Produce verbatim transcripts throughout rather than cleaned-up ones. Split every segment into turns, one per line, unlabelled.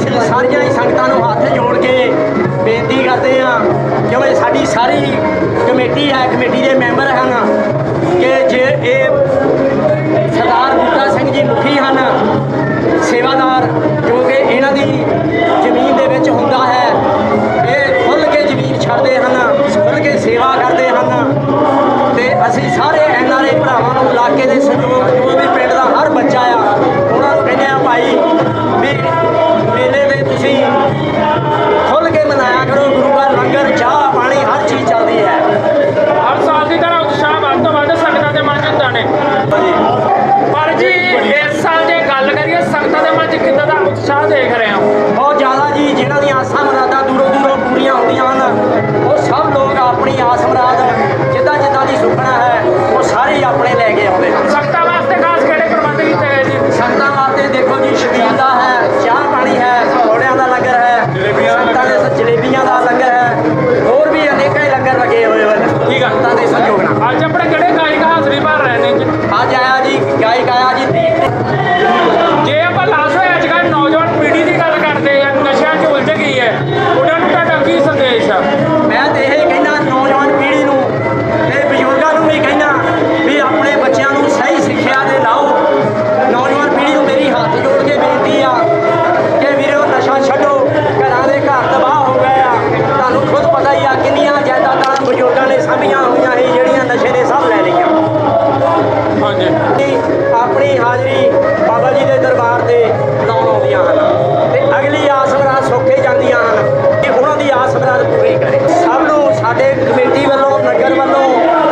ਅਸੀਂ ਸਾਰੀਆਂ ਹੀ ਸੰਗਤਾਂ ਨੂੰ ਹੱਥ ਜੋੜ ਕੇ ਬੇਨਤੀ ਕਰਦੇ ਹਾਂ, ਕਿਉਂਕਿ ਸਾਡੀ ਸਾਰੀ ਕਮੇਟੀ ਹੈ, ਕਮੇਟੀ ਦੇ ਮੈਂਬਰ ਹਨ ਕਿ ਜੇ ਇਹ ਸਰਦਾਰ ਬੂਟਾ ਸਿੰਘ ਜੀ ਮੁਖੀ ਹਨ, ਸੇਵਾਦਾਰ ਜੋ ਕਿ ਇਹਨਾਂ ਦੀ ਜ਼ਮੀਨ ਦੇ ਵਿੱਚ ਹੁੰਦਾ ਹੈ, ਇਹ ਖੁੱਲ੍ਹ ਕੇ ਜ਼ਮੀਨ ਛੱਡਦੇ ਹਨ, ਖੁੱਲ੍ਹ ਕੇ ਸੇਵਾ ਕਰਦੇ ਹਨ। ਅਤੇ ਅਸੀਂ ਸਾਰੇ ਐਨ ਆਰ ਆਈ ਭਰਾਵਾਂ ਨੂੰ ਇਲਾਕੇ ਦੇ ਸਹਿਯੋਗ ਜੋ ਵੀ ਪਿੰਡ ਦਾ ਹਰ ਬੱਚਾ ਆ ਉਹਨਾਂ ਨੂੰ ਕਹਿੰਦੇ ਆ ਭਾਈ ਵੀ ਮੇਲੇ ਦੇ ਤੁਸੀਂ ਖੁੱਲ੍ਹ ਕੇ ਮਨਾਇਆ ਕਰੋ, ਗੁਰੂ ਘਰ ਲੰਗਰ ਚਾਹ ਪਾਣੀ ਹਰ ਚੀਜ਼ ਚੱਲਦੀ ਹੈ।
ਹਰ ਸਾਲ ਦੀ ਤਰ੍ਹਾਂ ਉਤਸ਼ਾਹ ਵੱਧ ਤੋਂ ਵੱਧ ਸੰਗਤਾਂ ਦੇ ਮਨ 'ਚ ਹੁੰਦਾ ਨੇ। ਪਰ ਜੀ ਇਸ ਸਾਲ ਜੇ ਗੱਲ ਕਰੀਏ ਸੰਗਤਾਂ ਦੇ ਮਨ 'ਚ ਕਿੱਦਾਂ ਦਾ ਉਤਸ਼ਾਹ ਦੇਖ ਰਹੇ ਹੋ?
ਬਹੁਤ ਜ਼ਿਆਦਾ ਜੀ। ਜਿਨ੍ਹਾਂ ਦੀਆਂ ਆਸਾਂ ਮੁਰਾਦਾਂ ਦੂਰੋਂ ਦੂਰੋਂ ਪੂਰੀਆਂ ਹੁੰਦੀਆਂ ਹਨ, ਉਹ ਸਭ ਲੋਕ ਆਪਣੀ ਆਸ ਮੁਰਾਦ ਜਿੱਦਾਂ ਜਿੱਦਾਂ ਦੀ ਸੁਪਨਾ ਹੈ ਉਹ ਸਾਰੇ ਹੀ ਆਪਣੇ ਲੈ ਕੇ ਆਉਂਦੇ ਹਨ।
ਸੰਗਤਾਂ ਵਾਸਤੇ ਖਾਸ ਕਿਹੜੇ ਪ੍ਰਬੰਧ ਕੀਤੇ ਗਏ ਜੀ?
ਸੰਗਤਾਂ ਵਾਸਤੇ ਦੇਖੋ ਜੀ, ਛਬੀਲ ਦਾ ਹੈ, ਚਾਹ ਪਾਣੀ ਹੈ, ਪਕੌੜਿਆਂ ਦਾ ਲੰਗਰ ਹੈ, ਸੰਗਤਾਂ ਦੇ ਜਲੇਬੀਆਂ ਦਾ ਲੰਗਰ ਹੈ, ਹੋਰ ਵੀ ਅਨੇਕਾਂ ਹੀ ਲੰਗਰ ਲੱਗੇ ਹੋਏ ਹਨ
ਠੀਕ ਆ।
ਸੰਗਤਾਂ ਦੇ ਸਹਿਯੋਗ ਨਾਲ।
ਅੱਜ ਆਪਣੇ ਕਿਹੜੇ ਗਾਇਕ ਹਾਜ਼ਰੀ ਭਰ ਰਹੇ ਨੇ ਜੀ?
ਅੱਜ ਆਇਆ ਜੀ ਗਾਇਕ ਆਇਆ ਜੀ ਦੀਪ।
ਜੇ ਆਪਾਂ ਲਾਸ਼ ਹੋਏ ਅੱਜ ਕੱਲ੍ਹ ਨੌਜਵਾਨ ਪੀੜ੍ਹੀ ਦੀ ਗੱਲ ਕਰਦੇ ਆ, ਨਸ਼ਿਆਂ 'ਚ ਉਲਝ ਗਈ ਹੈ, ਉਹਨਾਂ ਨੂੰ ਤੁਹਾਡਾ ਕੀ ਸੰਦੇਸ਼ ਆ?
ਮੈਂ ਤਾਂ ਇਹ ਕਹਿੰਦਾ ਨੌਜਵਾਨ ਪੀੜ੍ਹੀ ਨੂੰ ਤੇ ਬਜ਼ੁਰਗਾਂ ਨੂੰ ਵੀ ਕਹਿੰਦਾ ਵੀ ਆਪਣੇ ਬੱਚਿਆਂ ਨੂੰ ਸਹੀ ਸਿੱਖਿਆ ਦੇ ਲਾਓ। ਨੌਜਵਾਨ ਪੀੜ੍ਹੀ ਨੂੰ ਮੇਰੀ ਹੱਥ ਜੋੜ ਕੇ ਬੇਨਤੀ ਆ ਕਿ ਵੀਰੋ ਨਸ਼ਾ ਛੱਡੋ, ਘਰਾਂ ਦੇ ਘਰ ਤਬਾਹ ਹੋ ਗਏ ਆ। ਤੁਹਾਨੂੰ ਖੁਦ ਪਤਾ ਹੀ ਆ ਕਿੰਨੀਆਂ ਜਾਇਦਾਦਾਂ ਬਜ਼ੁਰਗਾਂ ਨੇ ਸਾਂਭੀਆਂ ਹੋਈਆਂ ਸੀ ਜਿਹੜੀਆਂ ਨਸ਼ੇ ਨੇ ਸਭ ਲੈ ਲਈਆਂ।
ਹਾਂਜੀ,
ਆਪਣੀ ਹਾਜ਼ਰੀ ਬਾਬਾ ਜੀ ਦੇ ਦਰਬਾਰ ਤੇ ਲਾਉਣ ਆਉਂਦੀਆਂ ਹਨ ਤੇ ਅਗਲੀ ਆਸ ਮੁਰਾਦ ਸੌਖੇ ਜਾਂਦੀਆਂ ਹਨ ਕਿ ਉਹਨਾਂ ਦੀ ਆਸ ਮੁਰਾਦ ਪੂਰੀ ਕਰੇ। ਸਭ ਨੂੰ ਸਾਡੇ ਕਮੇਟੀ ਵੱਲੋਂ, ਨਗਰ ਵੱਲੋਂ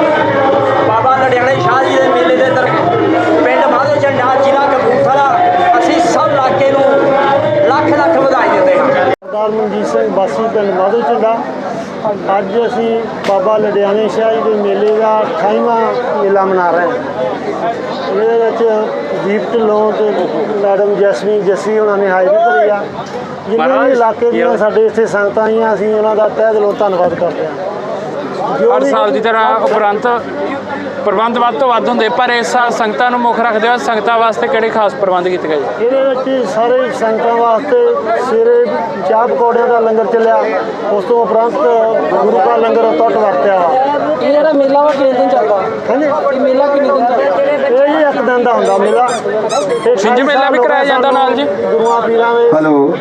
ਬਾਬਾ ਲੁਧਿਆਣੇ ਸ਼ਾਹ ਜੀ ਦੇ ਮੇਲੇ ਦੇ ਦਰ ਪਿੰਡ ਮਾਧੋ ਝੰਡਾ, ਜ਼ਿਲ੍ਹਾ ਕਪੂਰਥਲਾ, ਅਸੀਂ ਸਭ ਇਲਾਕੇ ਨੂੰ ਲੱਖ ਲੱਖ ਵਧਾਈ ਦਿੰਦੇ ਹਾਂ।
ਸਰਦਾਰ ਮਨਜੀਤ ਸਿੰਘ ਵਾਸੀ ਪਿੰਡ ਮਾਧੋ ਝੰਡਾ। ਅੱਜ ਅਸੀਂ ਬਾਬਾ ਲੁਧਿਆਣੇ ਸ਼ਾਹ ਜੀ ਦੇ ਮੇਲੇ ਦਾ ਅਠਾਈਵਾਂ ਮੇਲਾ ਮਨਾ ਰਹੇ ਹਾਂ। ਇਹਦੇ ਵਿੱਚ ਦੀਪ ਢਿੱਲੋਂ ਤੇ ਮੈਡਮ ਜੈਸਮੀਨ ਜੱਸੀ ਉਹਨਾਂ ਨੇ ਹਾਜ਼ਰੀ ਭਰੀ ਆ। ਜਿੰਨੇ ਵੀ ਇਲਾਕੇ ਦੀਆਂ ਸਾਡੇ ਇੱਥੇ ਸੰਗਤਾਂ ਆਈਆਂ, ਅਸੀਂ ਉਹਨਾਂ ਦਾ ਤਹਿ ਦਿਲੋਂ ਧੰਨਵਾਦ ਕਰਦੇ ਹਾਂ। ਜੋ
ਹਰ
ਵੀ
ਸਾਲ ਦੀ ਤਰ੍ਹਾਂ ਉਪਰੰਤ ਪ੍ਰਬੰਧ ਵੱਧ ਤੋਂ ਵੱਧ ਹੁੰਦੇ, ਪਰ ਇਸ ਸਾਲ ਸੰਗਤਾਂ ਨੂੰ ਮੁੱਖ ਰੱਖਦੇ ਹੋਏ ਸੰਗਤਾਂ ਵਾਸਤੇ ਕਿਹੜੇ ਖਾਸ ਪ੍ਰਬੰਧ ਕੀਤੇ ਗਏ?
ਇਹਦੇ ਵਿੱਚ ਸਾਰੇ ਸੰਗਤਾਂ ਵਾਸਤੇ ਸਵੇਰੇ ਚਾਹ ਪਕੌੜਿਆਂ ਦਾ ਲੰਗਰ ਚੱਲਿਆ, ਉਸ ਤੋਂ ਉਪਰੰਤ ਗੁਰੂ ਕਾ ਲੰਗਰ ਟੁੱਟ ਵਰਤਿਆ ਵਾ।
ਇਹ ਜਿਹੜਾ ਮੇਲਾ ਵਾ ਕਿੰਨੇ ਦਿਨ ਚੱਲਦਾ?
ਹਾਂਜੀ,
ਇਹ ਮੇਲਾ ਕਿੰਨੇ ਦਿਨ ਚੱਲਦਾ?
ਇਹ ਜੀ ਇੱਕ ਦਿਨ ਦਾ ਹੁੰਦਾ ਮੇਲਾ। ਤੇ
ਛਿੰਝ ਮੇਲਾ ਵੀ ਕਰਾਇਆ ਜਾਂਦਾ ਨਾਲ ਜੀ?
ਗੁਰੂਆਂ ਪੀਰਾਂ ਦੇ
ਹੈਲੋ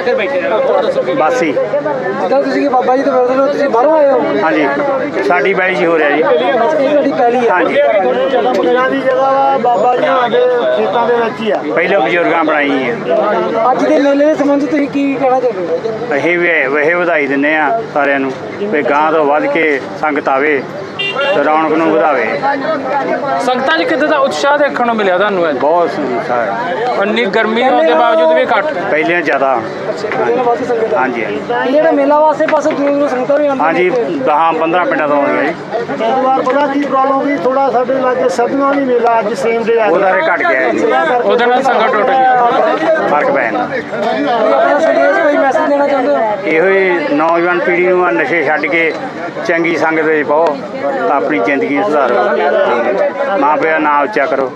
ਬਾਸੀ।
ਜਿੱਦਾਂ ਤੁਸੀਂ ਕਿ ਬਾਬਾ ਜੀ ਦੇ ਮਿਲਦੇ ਹੋ, ਤੁਸੀਂ ਬਾਹਰੋਂ ਆਏ ਹੋ?
ਹਾਂਜੀ, ਸਾਡੀ ਬਾਈ ਜੀ ਹੋ ਰਿਹਾ ਜੀ।
ਇਹ ਤੁਹਾਡੀ ਪਹਿਲੀ ਹੈ?
ਹਾਂਜੀ,
ਪੀਰਾਂ ਦੀ ਜਗ੍ਹਾ ਵਾ, ਬਾਬਾ ਜੀ ਸਾਡੇ ਖੇਤਾਂ ਦੇ ਵਿੱਚ ਹੀ ਆ।
ਪਹਿਲੇ ਬਜ਼ੁਰਗਾਂ ਬਣਾਈ ਹੈ।
ਅੱਜ ਦੇ ਮੇਲੇ ਦੇ ਸੰਬੰਧ ਤੁਸੀਂ ਕੀ ਕਹਿਣਾ ਚਾਹੁੰਦੇ ਹੋ?
ਅਸੀਂ ਵੀ ਵਹੇ ਵਧਾਈ ਦਿੰਦੇ ਆ ਸਾਰਿਆਂ ਨੂੰ ਵੀ ਗਾਂ ਤੋਂ ਵੱਧ ਕੇ ਸੰਗਤ ਆਵੇ ਤੇ ਰੌਣਕ ਨੂੰ ਵਧਾਵੇ।
ਸੰਗਤਾਂ 'ਚ ਕਿੱਦਾਂ ਦਾ ਉਤਸ਼ਾਹ ਦੇਖਣ ਨੂੰ ਮਿਲਿਆ ਤੁਹਾਨੂੰ? ਅੱਜ
ਬਹੁਤ ਸੰਗਤ ਹੈ,
ਇੰਨੀ ਗਰਮੀ ਹੋਣ ਦੇ ਬਾਵਜੂਦ ਵੀ ਘੱਟ?
ਪਹਿਲੇ ਜ਼ਿਆਦਾ।
ਮੇਲਾ ਵਾਸਤੇ ਸੰਗਤ ਆ।
ਹਾਂਜੀ ਹਾਂਜੀ
ਇਹ ਜਿਹੜਾ ਮੇਲਾ ਵਾਸਤੇ ਪਾਸੇ ਦੂਰ ਦੂਰ ਸੰਗਤਾਂ ਵੀ ਆਉਂਦੀਆਂ
ਹਾਂਜੀ,
ਨੇ।
ਦਸ ਪੰਦਰਾਂ ਪਿੰਡਾਂ ਤੋਂ ਆਉਂਦੀਆਂ ਜੀ।
ਇਸ ਵਾਰ ਪਤਾ ਕੀ ਪ੍ਰੋਬਲਮ ਵੀ ਥੋੜਾ ਸਾਡੇ ਲਾਗੇ ਸਦੀਆਂ ਵੀ ਮੇਲਾ ਅੱਜ ਸੇਮ ਡੇ ਆ
ਉਹਦਾ ਰੇ ਘਟ ਗਿਆ ਹੈ ਜੀ,
ਉਹਦੇ ਨਾਲ ਸੰਗਤ ਟੁੱਟ ਗਈ।
ਫਰਕ ਪੈ ਜਾਂਦਾ।
ਕੋਈ ਆਪਣਾ ਸੰਦੇਸ਼, ਕੋਈ ਮੈਸੇਜ ਦੇਣਾ ਚਾਹੁੰਦੇ ਹੋ?
ਇਹੋ ਹੀ ਨੌਜਵਾਨ ਪੀੜ੍ਹੀ ਨੂੰ ਆ ਨਸ਼ੇ ਛੱਡ ਕੇ ਚੰਗੀ ਸੰਗਤ ਵਿੱਚ ਪਾਓ ਤਾਂ ਆਪਣੀ ਜ਼ਿੰਦਗੀ ਸੁਧਾਰੋ। ਮਾਂ ਪਿਓ ਨਾਂ ਉੱਚਾ ਕਰੋ।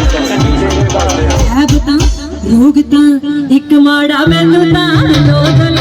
ਰੋਗ ਤਾਂ ਇੱਕ ਮਾੜਾ ਮੈਨੂੰ ਤਾਂ